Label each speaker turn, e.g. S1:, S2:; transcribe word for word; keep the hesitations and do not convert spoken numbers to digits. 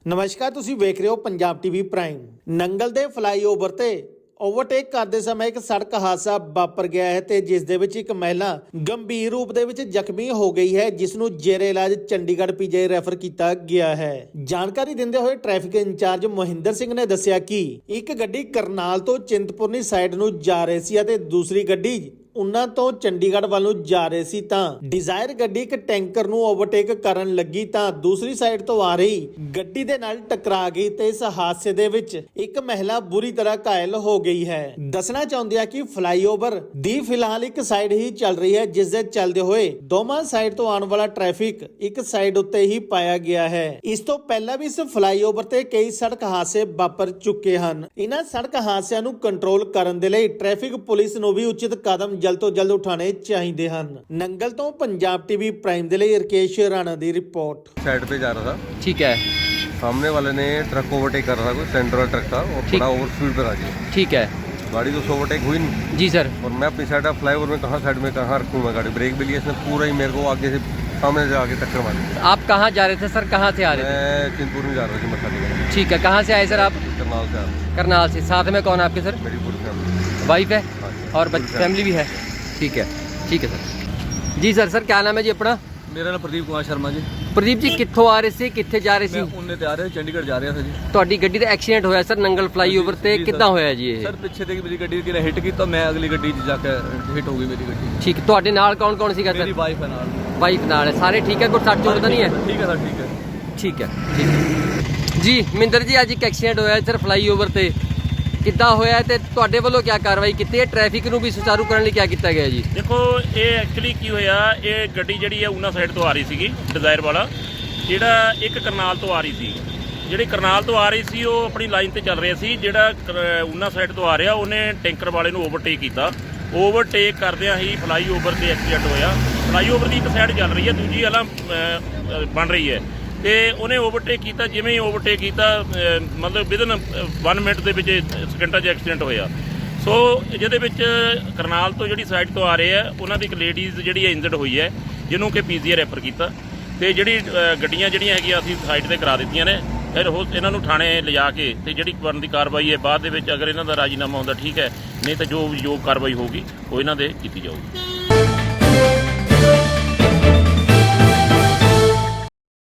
S1: ਨਮਸਕਾਰ, ਤੁਸੀਂ ਵੇਖ ਰਹੇ ਹੋ ਪੰਜਾਬ ਟੀਵੀ ਪ੍ਰਾਈਮ। ਨੰਗਲ ਦੇ ਫਲਾਈਓਵਰ ਤੇ ਓਵਰਟੇਕ ਕਰਦੇ ਸਮੇਂ ਇੱਕ ਸੜਕ ਹਾਦਸਾ ਵਾਪਰ ਗਿਆ ਹੈ ਤੇ ਜਿਸ ਦੇ ਵਿੱਚ ਇੱਕ ਮਹਿਲਾ ਗੰਭੀਰ ਰੂਪ ਦੇ ਵਿੱਚ ਜ਼ਖਮੀ ਹੋ ਗਈ ਹੈ, ਜਿਸ ਨੂੰ ਜੇਰੇ ਇਲਾਜ ਚੰਡੀਗੜ੍ਹ ਪੀਜੀਆਈ ਰੈਫਰ ਕੀਤਾ ਗਿਆ ਹੈ। ਜਾਣਕਾਰੀ ਦਿੰਦੇ ਹੋਏ ਟ੍ਰੈਫਿਕ ਇੰਚਾਰਜ ਮੋਹਿੰਦਰ ਸਿੰਘ ਨੇ ਦੱਸਿਆ ਕਿ ਇੱਕ ਗੱਡੀ ਕਰਨਾਲ ਤੋਂ ਚਿੰਤਪੁਰਨੀ ਸਾਈਡ ਨੂੰ ਜਾ ਰਹੀ ਸੀ ਅਤੇ ਦੂਸਰੀ ਗੱਡੀ ਉਹਨਾਂ ਤੋਂ ਚੰਡੀਗੜ੍ਹ ਵੱਲ ਨੂੰ ਜਾ ਰਹੇ ਸੀ ਤਾਂ ਡਿਜ਼ਾਇਰ ਗੱਡੀ ਇੱਕ ਟੈਂਕਰ ਨੂੰ ਓਵਰਟੇਕ ਕਰਨ ਲੱਗੀ ਤਾਂ ਦੂਸਰੀ ਸਾਈਡ ਤੋਂ ਆ ਰਹੀ ਗੱਡੀ ਦੇ ਨਾਲ ਟਕਰਾ ਗਈ ਤੇ ਇਸ ਹਾਦਸੇ ਦੇ ਵਿੱਚ ਇੱਕ ਮਹਿਲਾ ਬੁਰੀ ਤਰ੍ਹਾਂ ਘਾਇਲ ਹੋ ਗਈ ਹੈ। ਦੱਸਣਾ ਚਾਹੁੰਦੇ ਆ ਕਿ ਫਲਾਈਓਵਰ ਦੀ ਫਿਲਹਾਲ ਇੱਕ ਸਾਈਡ ਹੀ ਚੱਲ ਰਹੀ ਹੈ, ਜਿਸ ਦੇ ਚੱਲਦੇ ਹੋਏ ਦੋਵਾਂ ਸਾਈਡ ਤੋਂ ਆਉਣ ਵਾਲਾ ਟ੍ਰੈਫਿਕ ਇੱਕ ਸਾਈਡ ਉੱਤੇ ਹੀ ਪਾਇਆ ਗਿਆ ਹੈ। ਇਸ ਤੋਂ ਪਹਿਲਾਂ ਵੀ ਇਸ ਫਲਾਈਓਵਰ ਤੇ ਕਈ ਸੜਕ ਹਾਦਸੇ ਵਾਪਰ ਚੁੱਕੇ ਹਨ। ਇਹਨਾਂ ਸੜਕ ਹਾਦਸਿਆਂ ਨੂੰ ਕੰਟਰੋਲ ਕਰਨ ਦੇ ਲਈ ਟ੍ਰੈਫਿਕ ਪੁਲਿਸ ਨੂੰ ਵੀ ਉਚਿਤ ਕਦਮ जल्द तो जल्द उठाने चाहिए हैं। नंगल तो पंजाब टीवी प्राइम दे लिए रकेश राणा दी रिपोर्ट।
S2: साइड पे जा रहा था,
S3: ठीक है,
S2: सामने वाले ने ट्रक ओवरटेक कर रहा था, कोई सेंटर वाला ट्रक था और बड़ा ओवर स्पीड पर आ गया।
S3: ठीक है,
S2: गाड़ी तो ओवरटेक हुई नहीं
S3: जी सर।
S2: और मैं अपनी साइड फ्लाईओवर में कहाँ साइड में कहाँ रखूँ मैं गाड़ी, ब्रेक भी लिया इसने पूरा ही मेरे को आगे से सामने से आगे टक्कर मारी।
S3: आप कहाँ जा रहे थे सर, कहाँ से आ रहे थे?
S2: मैं चिंतपुर में जा रहा था मत्था टेकने।
S3: ठीक है, कहाँ से आए सर आप?
S2: करनाल से आ रहा।
S3: करनाल से। साथ में कौन आपके सर?
S2: मेरी पूरी फैमिली,
S3: वाइफ है और फैमिली भी है। ठीक है, ठीक है सर जी। सर सर क्या नाम है जी अपना?
S4: मेरा नाम प्रदीप कुमार शर्मा जी।
S3: प्रदीप जी कित्थों आ रहे थे, कित्थे जा रहे
S4: मैं
S3: सी?
S4: उन्ने ते आ रहे चंडीगढ़ जा रहा था जी।
S3: ਤੁਹਾਡੀ ਗੱਡੀ ਦਾ ਐਕਸੀਡੈਂਟ ਹੋਇਆ ਸਰ ਨੰਗਲ ਫਲਾਈਓਵਰ ਤੇ,
S4: ਜੀ,
S3: ਕਿੱਦਾਂ
S4: ਸਰ।
S3: ਹੋਇਆ ਜੀ ਇਹ?
S4: ਸਰ ਪਿੱਛੇ ਤੇ ਮੇਰੀ ਗੱਡੀ ਕਿਨੇ ਹਿੱਟ ਕੀਤਾ, ਮੈਂ ਅਗਲੀ ਗੱਡੀ 'ਚ ਜਾ ਕੇ ਹਿੱਟ ਹੋ ਗਈ ਮੇਰੀ ਗੱਡੀ।
S3: ਠੀਕ, ਤੁਹਾਡੇ ਨਾਲ ਕੌਣ ਕੌਣ ਸੀਗਾ
S4: ਮੇਰੀ
S3: ਸਰ?
S4: ਵਾਈਫ ਹੈ ਨਾਲ।
S3: ਵਾਈਫ ਨਾਲ ਹੈ, ਸਾਰੇ ਠੀਕ ਹੈ, ਕੋਈ ਸੱਟ ਚੋਟ ਤਾਂ ਨਹੀਂ ਹੈ?
S4: ਠੀਕ ਹੈ ਸਰ, ਠੀਕ ਹੈ।
S3: ਠੀਕ ਹੈ, ਠੀਕ ਹੈ ਜੀ। ਮਿੰਦਰ ਜੀ ਅੱਜ ਇੱਕ ਐਕਸੀਡੈਂਟ ਹੋਇਆ ਸਰ ਫਲਾਈਓਵਰ ਤੇ, ਕਿੱਦਾਂ ਹੋਇਆ ਤੇ ਤੁਹਾਡੇ ਵੱਲੋਂ ਕੀ ਕਾਰਵਾਈ ਕੀਤੀ ਹੈ? ਟ੍ਰੈਫਿਕ ਨੂੰ ਵੀ ਸੁਚਾਰੂ ਕਰਨ ਲਈ ਕੀ ਕੀਤਾ ਗਿਆ ਜੀ?
S5: ਦੇਖੋ ਇਹ ਐਕਚੁਅਲੀ ਕੀ ਹੋਇਆ, ਇਹ ਗੱਡੀ ਜਿਹੜੀ ਹੈ ਉਹਨਾਂ ਸਾਈਡ ਤੋਂ ਆ ਰਹੀ ਸੀਗੀ, ਡਿਜ਼ਾਇਰ ਵਾਲਾ ਜਿਹੜਾ ਇੱਕ ਕਰਨਾਲ ਤੋਂ ਆ ਰਹੀ ਸੀ। ਜਿਹੜੀ ਕਰਨਾਲ ਤੋਂ ਆ ਰਹੀ ਸੀ ਉਹ ਆਪਣੀ ਲਾਈਨ ਤੇ ਚੱਲ ਰਿਹਾ ਸੀ। ਜਿਹੜਾ ਉਹਨਾਂ ਸਾਈਡ ਤੋਂ ਆ ਰਿਹਾ ਉਹਨੇ ਟੈਂਕਰ ਵਾਲੇ ਨੂੰ ਓਵਰਟੇਕ ਕੀਤਾ। ਓਵਰਟੇਕ ਕਰਦਿਆਂ ਹੀ ਫਲਾਈਓਵਰ ਤੇ ਐਕਸੀਡੈਂਟ ਹੋਇਆ। ਫਲਾਈਓਵਰ ਦੀ ਇੱਕ ਸਾਈਡ ਚੱਲ ਰਹੀ ਹੈ, ਦੂਜੀ ਵਾਲਾ ਬਣ ਰਹੀ ਹੈ ਤੇ ਉਹਨੇ ਓਵਰਟੇਕ ਕੀਤਾ। ਜਿਵੇਂ ਹੀ ਓਵਰਟੇਕ ਕੀਤਾ ਮਤਲਬ ਵਿਦਨ ਵਨ ਮਿੰਟ ਦੇ ਵਿੱਚ ਸਕਿੰਟਾਂ 'ਚ ਐਕਸੀਡੈਂਟ ਹੋਇਆ। ਸੋ ਜਿਹਦੇ ਵਿੱਚ ਕਰਨਾਲ ਤੋਂ ਜਿਹੜੀ ਸਾਈਡ ਤੋਂ ਆ ਰਹੇ ਆ ਉਹਨਾਂ ਦੀ ਇੱਕ ਲੇਡੀਜ਼ ਜਿਹੜੀ ਹੈ ਇੰਜਰਡ ਹੋਈ ਹੈ, ਜਿਹਨੂੰ ਕਿ ਪੀਜੀਆਈ ਰੈਫਰ ਕੀਤਾ ਤੇ ਜਿਹੜੀ ਗੱਡੀਆਂ ਜਿਹੜੀਆਂ ਹੈਗੀਆਂ ਅਸੀਂ ਸਾਈਡ ਤੇ ਕਰਾ ਦਿੱਤੀਆਂ ਨੇ। ਫਿਰ ਉਹ ਇਹਨਾਂ ਨੂੰ ਥਾਣੇ ਲਿਜਾ ਕੇ ਤੇ ਜਿਹੜੀ ਬਣਦੀ ਕਾਰਵਾਈ ਹੈ ਬਾਅਦ ਦੇ ਵਿੱਚ ਅਗਰ ਇਹਨਾਂ ਦਾ ਰਾਜੀਨਾਮਾ ਹੁੰਦਾ ਠੀਕ ਹੈ, ਨਹੀਂ ਤਾਂ ਜੋ ਜੋ ਕਾਰਵਾਈ ਹੋਊਗੀ ਉਹ ਇਹਨਾਂ ਦੇ ਕੀਤੀ ਜਾਊਗੀ।